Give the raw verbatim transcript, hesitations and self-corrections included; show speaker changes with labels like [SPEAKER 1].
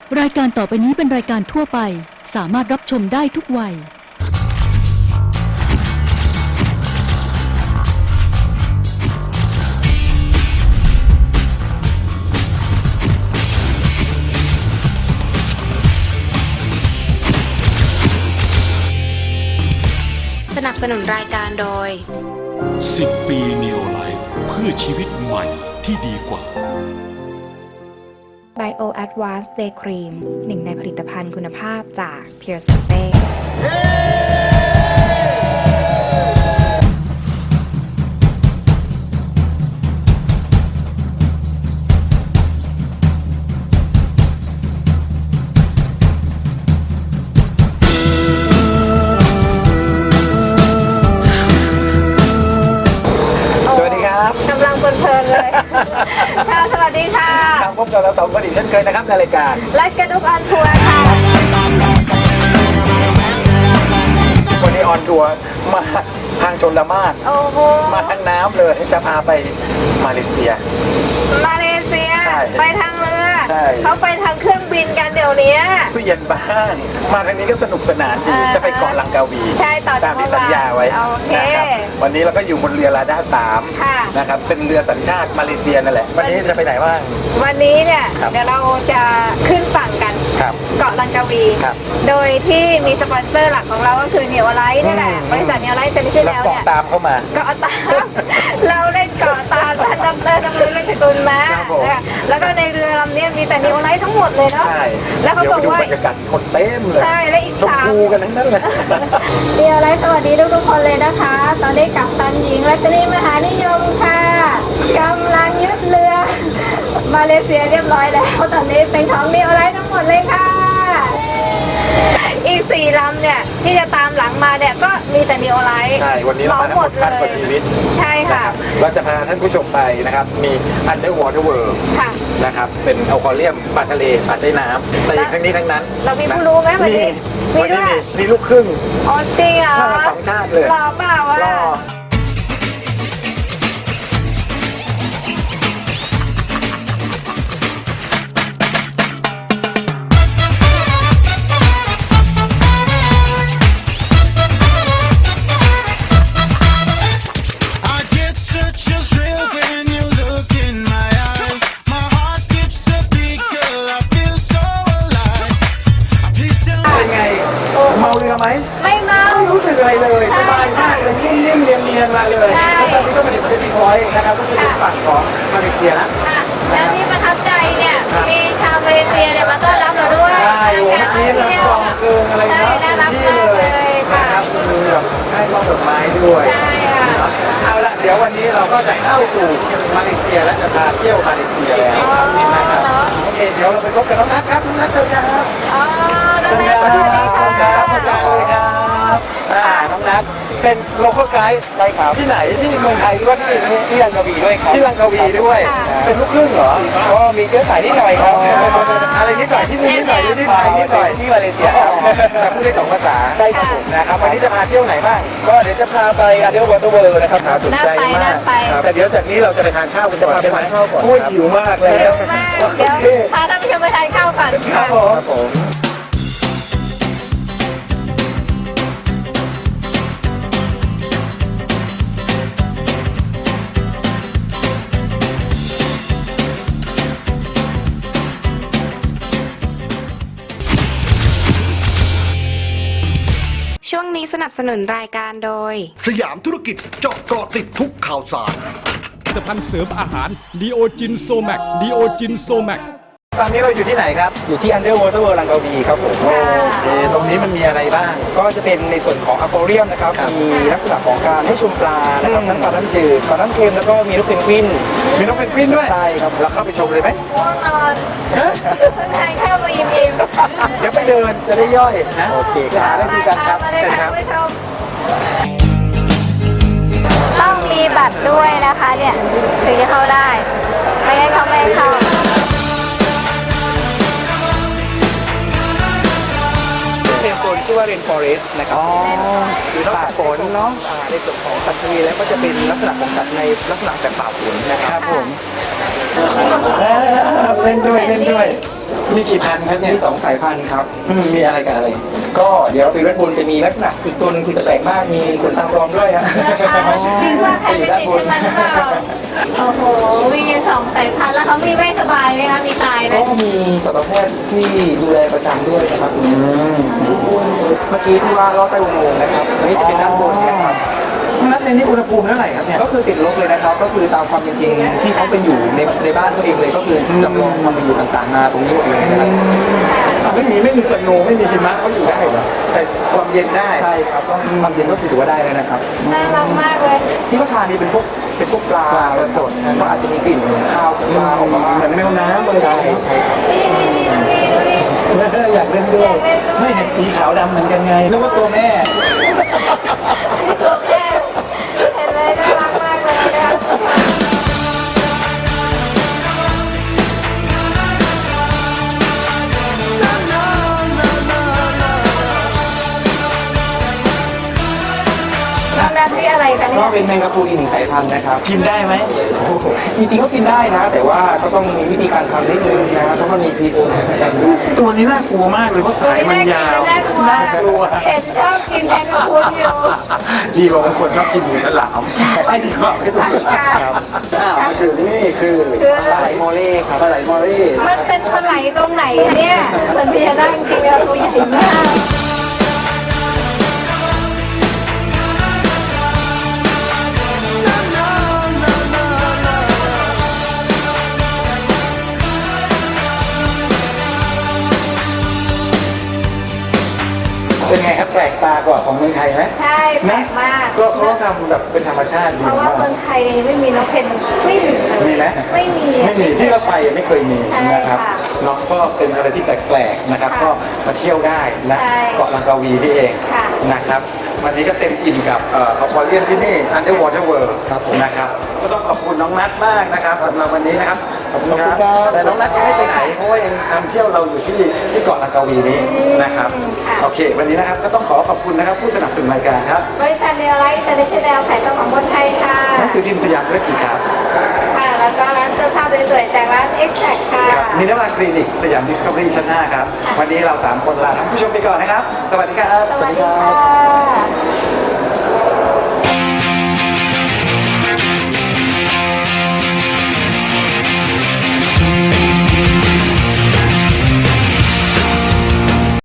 [SPEAKER 1] รายการต่อไปนี้เป็นรายการทั่วไปสามารถรับชมได้ทุกวัย
[SPEAKER 2] สนับสนุนรายการโดย
[SPEAKER 3] สิบปี Neo Life เพื่อชีวิตใหม่ที่ดีกว่า
[SPEAKER 4] Bio Advanced Day Cream หนึ่งในผลิตภัณฑ์คุณภาพจาก Pure Sante
[SPEAKER 5] กำลังเพลินๆเลยค่ะสวัสดีค่ะ
[SPEAKER 6] ครับพบกับเราสองคนอีกเช่นเคยนะครับในรายการ
[SPEAKER 5] รัดกระดุกออนทัวร์ค่ะ
[SPEAKER 6] วันนี้ออนทัวร์มาทางชลมาร
[SPEAKER 5] โอ้โห
[SPEAKER 6] มาทางน้ำเลยจะพาไปมาเลเซีย
[SPEAKER 5] มาเลเซียไปทางเรือเขาไปทางเครื่องบินกันเดี๋ยวนี้
[SPEAKER 6] ตู้เย็นบ้างมาทางนี้ก็สนุกสนานดีจะไปเกาะลังกาวี
[SPEAKER 5] ใช่ต
[SPEAKER 6] ามที่สัญญาไว้นะครับวันนี้เราก็อยู่บนเรือลาด้าสามนะครับเป็นเรือสัญชาติมาเลเซียนั่นแหละวันนี้จะไปไหนบ้าง
[SPEAKER 5] วันนี้เนี่ยเดี๋ยวเราจะขึ้นฝั่งกันเกาะลังกาวีโดยที่มีสปอนเซอร์หลักของเราก็คือเนียวไลท์นี่แหละบริษัทเนียวไลท์เซ็นชื่อแล้วเนี่ย
[SPEAKER 6] ตามเข้ามา
[SPEAKER 5] เกาะตามเราเล่นเกาะตามท่านดรดำรงเล่นสกุลมาแล้วก็ในเรือลำนี้มีแต่เนียวไลท์ทั้งหมดเลยเนาะแล้วเขาบอกว่า
[SPEAKER 6] บรรยากาศคนเต็มเลย
[SPEAKER 5] ใช่และอีกสาม
[SPEAKER 6] ชมพูกันทั้งนั้นเลย
[SPEAKER 5] เนียวไลท์สวัสดีทุกๆคนเลยนะคะตอนนี้กัปตันหญิงรัชนีมหานิยมค่ะกำลังยึดเรือมาเลเซียเรียบร้อยแล้วตอนนี้เป็นของเนียวไลท์ทั้งหมดเลยค่ะอีกสี่ลำเนี่ยที่จะตามหลังมาเนี่ยก็มีแต่นีโอไลท์
[SPEAKER 6] ใช่วันนี้เรามาทั้งหมดพันกว่าชีวิต
[SPEAKER 5] ใช่ค่ะ
[SPEAKER 6] เราจะพาท่านผู้ชมไปนะครับมี Underwater World นะครับเป็นอควาเรียมปลาทะเลปลาใต้น้ำแต่อย่างทั้งนี้ทั้งนั้น
[SPEAKER 5] เรามีผู้รู้ไหมวันนี้
[SPEAKER 6] มีวันนี้มีลูกครึ่ง
[SPEAKER 5] อ๋อจริงเหรอ
[SPEAKER 6] สองชาติเลย
[SPEAKER 5] หล่อเปล่าวะ
[SPEAKER 6] ไหม
[SPEAKER 5] ไม่เมา
[SPEAKER 6] ไม่รู้สึกอะไรเลยสบายมากเลยนิ่มๆเนียนๆมาเลยแล้วตอนนี้ก็มาถึงเซนติพอยต์นะครับก็คือฝั่งของมาเลเซียแล้ว
[SPEAKER 5] แล้วที่ประทับใจเนี่ยมีชาวมาเลเซียเนี่ยมาต้อนรับเราด้วย
[SPEAKER 6] ใช่โอ้เมื่อกี้นะกองเกินอะไรนะที่เลยนะครับคือแบบให้มอบดอกไม้ด้วย
[SPEAKER 5] ใช่ค่ะ
[SPEAKER 6] เอาละเดี๋ยววันนี้เราก็จะเข้าสู่มาเลเซียและจะพาเที่ยวมาเลเซียแล้วนะครับโอเคเดี๋ยวเราไปพบกับน้องนัทครับน้องนัทเชิญครับ
[SPEAKER 5] อ๋อน้องนัท
[SPEAKER 6] สวัสดีครับน้องนัทสวัสดีครับอ่าน้องนัทเป็นโลคอลไกด์ใช่ครับที่ไหนที่เมืองไทยหรือว่าที่
[SPEAKER 7] ที่ลังกาวีด้วยครับ
[SPEAKER 6] ที่ลังกาวีด้วยเป็นลูกครึ่งเหรอ
[SPEAKER 7] ก็มีเชื้อสายนิดหน่อยครับ
[SPEAKER 6] อะไรนิดหน่อยที่นี่นิดหน่อยที่ไทยนิดหน่อย
[SPEAKER 7] ที่มาเลเซีย
[SPEAKER 6] แต่พูดได้สองภาษา
[SPEAKER 7] ใช่ครับผม
[SPEAKER 6] นะครับวันนี้จะพาเที่ยวไหนบ้าง
[SPEAKER 7] ก็เดี๋ยวจะพาไปอันเดอร์วอเตอร์เวิลด์นะครับ
[SPEAKER 6] สนใจมากแต่เดี๋ยวจากนี้เราจะไปทานข้าวกันก่อนใช่ไหมโอ้ยหิวมากเลย
[SPEAKER 5] เดี๋ยวพาท่านผู้ชมไปทานข้าวก่อน
[SPEAKER 6] ครับผม
[SPEAKER 2] ช่วงนี้สนับสนุนรายการโดย
[SPEAKER 3] สยามธุรกิจเจาะเกาะติดทุกข่าวสาร
[SPEAKER 8] ผลิตภัณฑ์เสริมอาหารดีโอจินโซแมกดีโอจินโซแมก
[SPEAKER 6] ตอนนี้เราอยู่ที่ไหนครับ
[SPEAKER 7] อยู่ที่ Underwater World ลังกาวีครับผม
[SPEAKER 6] ตรงนี้มันมีอะไรบ้าง
[SPEAKER 7] ก็จะเป็นในส่วนของอควาเรียมนะครับมีลักษณะของการให้ชมปลานะครับทั้งปลาน้ำจืดปลาน้ำเค็มแล้วก็มีนกเพนกวิน
[SPEAKER 6] มีนกเพนกวินด้วย
[SPEAKER 7] ใช่ครับ
[SPEAKER 6] เราเข้าไปชมเลยไหม
[SPEAKER 5] ง่วงนอนเพิ่งทานข้าวมาอิ่ม
[SPEAKER 6] ๆเดี๋ยวไปเดินจะได้ย่อยนะ
[SPEAKER 7] โอเค
[SPEAKER 6] หาได้ดูกันครับ
[SPEAKER 5] เชิญครับต้องมีบัตรด้วยนะคะเนี่ยถึงจะเข้าได้ไม่งั้นเขาไม่ให้เข้า
[SPEAKER 7] เป็นโซนชื่อว่าเรนฟอเรสต์นะครับคือป่าฝนเนาะในส่วนของสัตว์ทะเลแล้วก็จะเป็นลักษณะของสัตว์ในลักษณะแบบป่าฝนนะครับผม
[SPEAKER 6] อ่าเล่นด้วยเล่นด้วยมีกี่พันครับเนี่ย
[SPEAKER 7] มีสองสายพันธุ์ครับ
[SPEAKER 6] อืมมีอะไรกับอะไร
[SPEAKER 7] ก็เดี๋ยวปีเวทบูลจะมีลักษณะอีกตัวหนึงคือจะแปลกมากมีขนตาปลอมด้วยนะ
[SPEAKER 5] นะคะจริงว่าใครเป็นติดใช่ไหมหรือเปล่าโอ้โหมีสองสายพันธุ์แล้วเขามีไม่สบายไหมคะมีตายไหม
[SPEAKER 7] ก็มีสัตวแพทย์ที่ดูแลประจำด้วยนะครับเมื่อกี้ที่ว่าลอดใต้อุโมงค์นะครับอันนี้จะเป็นด้านบนนะครับ
[SPEAKER 6] นัดในนี้อุณหภูมิเท่าไหร่ครับเนี่ย
[SPEAKER 7] ก็คือติดลบเลยนะครับ ก็คือตามความเป็นจริงที่เขาเป็นอยู่ในในบ้านเขาเองเลยก็คือจำลองความเป็นอยู่ต่างๆมาตรงนี้หมดเลยนะครับ
[SPEAKER 6] อ่ะไม่มีไม่มีสโนว์ไม่มีหิมะเขาอยู่ได้เหรอแต่ความเย็นได้
[SPEAKER 7] ใช่ครับก็ความเย็นก็คือถือว่าได้เลยนะครับ
[SPEAKER 5] น่ารักมากเลย
[SPEAKER 7] ที่เขาทานนี่เป็นพวกเป็นพวกปลาสดนะก็อาจจะมีกลิ่นข้าวปลาออกมา
[SPEAKER 6] เหมือนแมวน้ำเลย
[SPEAKER 7] ใช่ใช่ครับ
[SPEAKER 5] นี่นี่นี่ดูดิดูดิ
[SPEAKER 6] อยากเล่นด้วย
[SPEAKER 5] อยากเล่นด้วย
[SPEAKER 6] ไม่เห็นสีขาวดำเหมือนกันไงนึกว่าตัวแม่
[SPEAKER 5] ชื่อตัวแม่เห็นไหมน่ารักมากเลยนะคะ น้องนัทนี่อะไรกัน
[SPEAKER 7] ก็
[SPEAKER 5] เนี่ย
[SPEAKER 7] เป็นแมงกะพรุนอีกหนึ่งสายพันธุ์นะครับ
[SPEAKER 6] กินได้ไหม
[SPEAKER 7] โอ้โหจริงๆก็กินได้นะ แต่ว่าก็ต้องมีวิธีการทำนิดนึงนะเพราะมันมีพิษ
[SPEAKER 6] ตัวนี้น่ากลัวมากเลยเพราะสายมันยาว
[SPEAKER 5] น่ากลัว
[SPEAKER 6] น่ากลัว
[SPEAKER 5] เห็นชอบกินแมงกะพรุนอยู่
[SPEAKER 6] ดีกว่าบางคนชอบกินหมูฉลามไอ้ดีกว่าไม่ถูกครับอ้าวมาถึงนี่คือ
[SPEAKER 5] คือ
[SPEAKER 7] ปลาไหลโมเล่ครับ
[SPEAKER 6] ปลาไหลมอรี่
[SPEAKER 5] มันเป็นปลาไหลตรงไหนเนี่ยเหมือนพญานาคจริงๆแล้วตัวใหญ่มาก
[SPEAKER 6] เป็นไงครับแปลกตากว่าของเมืองไทยไหม
[SPEAKER 5] ใช่แปลกมาก
[SPEAKER 6] ก็เขาทำแบบเป็นธรรมชาติดี
[SPEAKER 5] เพราะว่าเมื
[SPEAKER 6] มา
[SPEAKER 5] อก งไทยไม่มีนกเพนกวินเลย
[SPEAKER 6] มีไหม
[SPEAKER 5] ไม่มี
[SPEAKER 6] ไม่มีที่เราไปไม่เคยมี
[SPEAKER 5] ใช่
[SPEAKER 6] นะครับ
[SPEAKER 5] ค่ะ
[SPEAKER 6] เนาะก็เป็นอะไรที่แปลกๆนะครับ
[SPEAKER 5] ค่ะ
[SPEAKER 6] ก็มาเที่ยวได้นะ
[SPEAKER 5] ใช่
[SPEAKER 6] เกาะลังกาวีนี่เอง
[SPEAKER 5] ค่ะ
[SPEAKER 6] นะครับวันนี้ก็เต็มอิ่มกับเอ่ออควาเรียมที่นี่ Underwater World
[SPEAKER 7] ครับผม
[SPEAKER 6] นะครับก็ต้องขอบคุณน้องนัทมากนะครับสำหรับวันนี้นะครับขอบคุณค
[SPEAKER 7] ขอบ
[SPEAKER 6] รั
[SPEAKER 7] คุ
[SPEAKER 6] บ
[SPEAKER 7] ณครับ
[SPEAKER 6] แต่น้องนัทยังไม่ไปไหนเพราะว่ายังนำเที่ยวเราอยู่ที่ที่เกาะลังกาวีนี้นะครับ
[SPEAKER 5] ค่ะ
[SPEAKER 6] โอเควันนี้นะครับก็ต้องขอขอบคุณนะครับผู้สนับสนุนรายการครับ
[SPEAKER 5] บริษัทเนลไลท์อินเตอร์เนชั่นแนลขายตรงของคนไทยค่ะ
[SPEAKER 6] หนังสือพิมพ์สยามธุรกิจครับ
[SPEAKER 5] ค่ะ แล้วก็ร้านเสื้อผ้าสวยๆจากร้าน Exact ค่ะ
[SPEAKER 6] ครับมินว่าคลินิกสยามดิสคัฟเวอรี่ชั้นห้าครับ วันนี้เราสามคนลาท่านผู้ชมไปก่อนนะครับ สวัสดีครับ
[SPEAKER 5] สวัสดีค่ะ